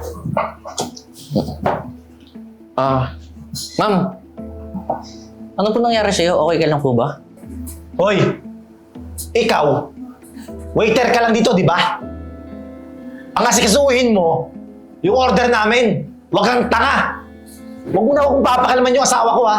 Ma'am. Ano po nangyari sa'yo? Okay ka lang po ba? Hoy! Ikaw, waiter ka lang dito, di ba? Ang asikasuhin mo, yung order namin. Huwag kang tanga. Huwag mo na akong papakalaman yung asawa ko, ha?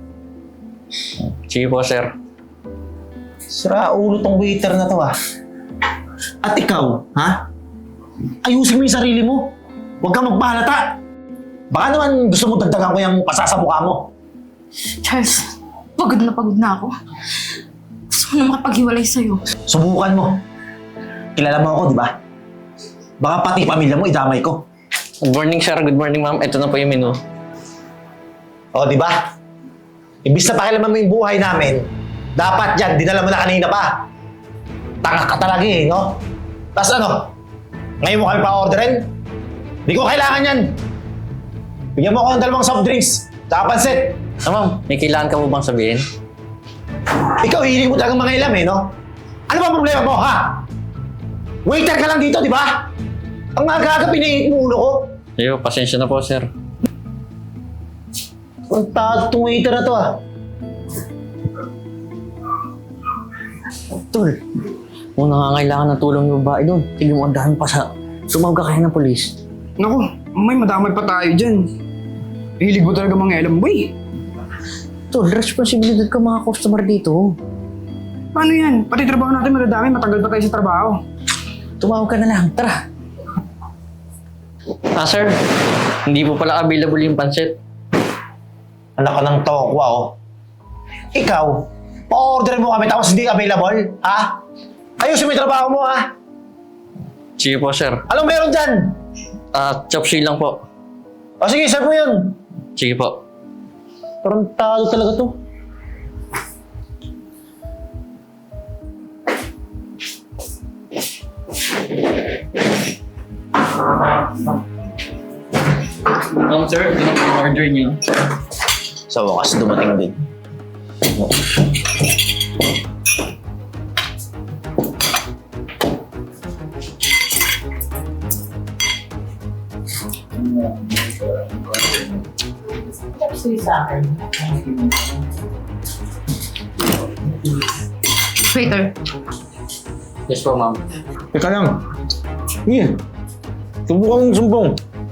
Sige po, sir. Sira ulo tong waiter na to, ha? At ikaw, ha? Ayusin mo yung sarili mo. Huwag kang magpahalata. Baka naman gusto mo dagdagan ko yung pasasabuka mo. Charles, pagod na ako. Gusto ko na makapaghiwalay sa'yo. Subukan mo. Kilala mo ako, di ba? Baka pati pamilya mo idamay ko. Good morning, sir. Good morning, ma'am. Ito na po yung menu. O, di ba? Imbis na pakialaman mo yung buhay namin, dapat yan, dinala mo na kanina pa. Tanga ka talaga eh, no? Tapos ano? Ngayon mo kami pa-orderin? Di ko kailangan yan. Bigyan mo ako ng 2 soft drinks, tsaka pansit. Ma'am, may kailangan ka mo bang sabihin? Ikaw, hihiling mo talagang mga ilam eh, no? Ano ba problema mo, ha? Waiter ka lang dito, di ba? Ang aga-aga pinainit mo ulo ko. Ayo, pasensya na po, sir. Ang tago itong waiter na to, ah. Tol, kung nangangailangan ng tulong yung babae doon, sige mo andahan pa sa tumawag ka kaya ng polis. Naku, may madamay pa tayo dyan. Hilig mo talaga mga alam, boy. Tol, responsibilidad ka mga customer dito. Paano yan? Pati trabaho natin madadami, matagal pa tayo sa trabaho. Tumawag ka na lang, tara. Sir, hindi po pala available yung pansit. Anak ka ng tokwa, oh. Ikaw, pa-order mo kami tapos hindi available, ha? Ayusin mo yung trabaho mo, ha? Sige po, sir. Anong meron dyan? Chop suey lang po. O sige, serve mo yun. Sige po. Tarantado talaga to. Sir, ito na po yung order niyo. Sa wakas, dumating din. Waiter, Yes po, ma'am. Teka lang. Sige. Subukan mong sumbong.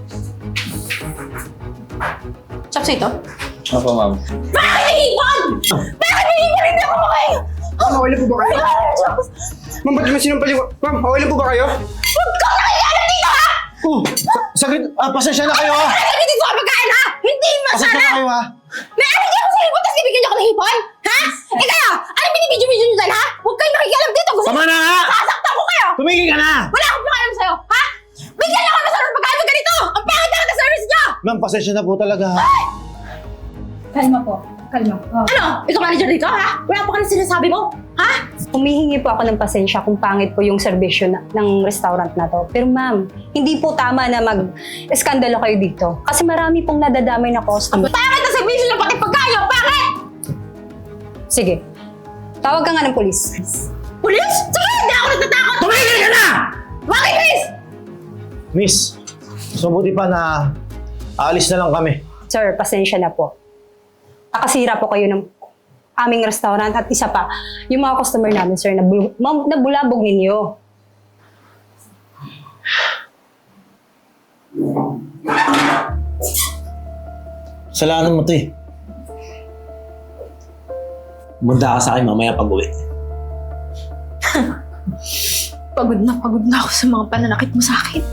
chopsay ito? Opo, ma'am. Bakit nahihipon? Bakit nahihipon? Hindi ako makain! Ma'am, okay lang po ba kayo? Ma'am, ba't naman sinampal yung... Ma'am, okay lang po ba kayo? Huwag kang nakikialam dito, ha! Saglit. Pasensya na kayo, ha? Ano dito sa pagkain, ha? Hindi Pasensya na masarap! kayo, ha? May ano di ako sa hipon, tapos bibigyan niyo ako ng hipon? Ha? Eh kayo, ano binibidyo-video niyo dyan, ha? Huwag kayong nakikialam dito. Gusto Tama na, ha? sasaktan ko kayo! Tumigil ka na! Wala akong pakialam sa'yo, ha? Bigyan niyo ako ng masarap pagkain ng ganito! Ang pangit na ng service niyo! Ma'am, pasensya na po talaga, ha? Kalma po. Kalma. Ano? Ikaw manager dito, ha? Wala pa ka na sinasabi mo? Ha? Humihingi po ako ng pasensya kung pangit po yung serbisyo ng restaurant na to. Pero ma'am, hindi po tama na mag-eskandalo kayo dito. Kasi marami pong nadadamay na customer. Pangit na service niyo pati pagkain! Pangit! Sige, tawag ka nga ng polis. Pulis? Sige, hindi ako natatakot! Tumigil ka na! Bakit, Chris? Miss, so buti pa na aalis na lang kami. Sir, pasensya na po. Nakasira po kayo ng aming restaurant at isa pa, yung mga customer namin, sir, nabulabog ninyo. Salanan mo to eh. Munda ka sa akin mamaya pag-uwi. Pagod na ako sa mga pananakit mo sa akin.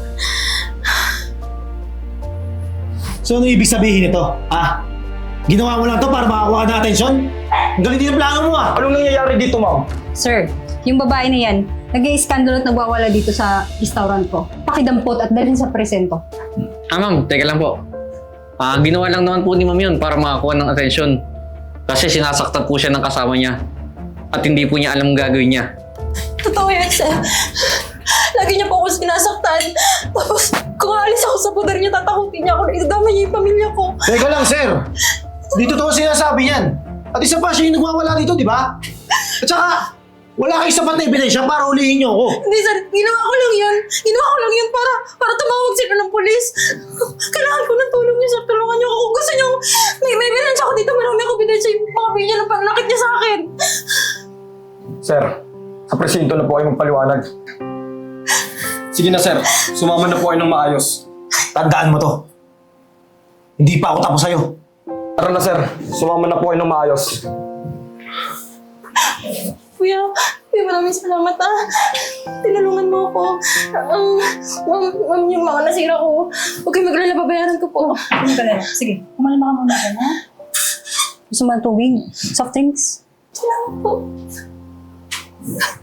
So ano ibig sabihin nito, ha? Ginawa mo lang to para makakuha ka ng atensyon? Ang galing din ang plano mo, ha? Anong nangyayari dito, ma'am? Sir, yung babae na yan, nag-i-skandalo at nagwawala dito sa restaurant ko. Pakidampot at dalhin sa presento. Ma'am, teka lang po. Ginawa lang naman po ni ma'am yun para makakuha ng atensyon. Kasi sinasaktan po siya ng kasama niya. At hindi po niya alam ang gagawin niya. Totoo yan, sir. Lagi niya po ako sinasaktan. Tapos, kung alis ako sa poder niya, tatakutin niya ako na idadama niya yung pamilya ko. Teka lang, sir. Dito to sinasabi yan. At isa pa, siya yung nagwawala dito, di ba? At saka, wala kayong sapat na ebidensya para ulihin niyo ako. Hindi, sir. Ginawa ko lang yun para tumawag sila ng pulis. pulis. Kailangan ko ng tulong niyo, sir. Tulungan niyo ako. Kung gusto niyo, may bilans ako dito. Marami ako binensya yung mga video ng pananakit niya sa akin. Sir, sa presinto na po kayo magpaliwanag. Sige na sir, sumama na po kayo ng maayos. Tandaan mo to. Hindi pa ako tapos sa'yo. Tara na sir, sumama na po kayo ng maayos. Kuya, maraming salamat ah. Tinulungan mo ako. Ma'am, yung mga nasira ko, huwag kayo maglala, babayaran ko po. Ano ka na? Sige, kumalma ka muna dyan, ha? Gusto mo ng tubig? Soft drinks? Salamat po.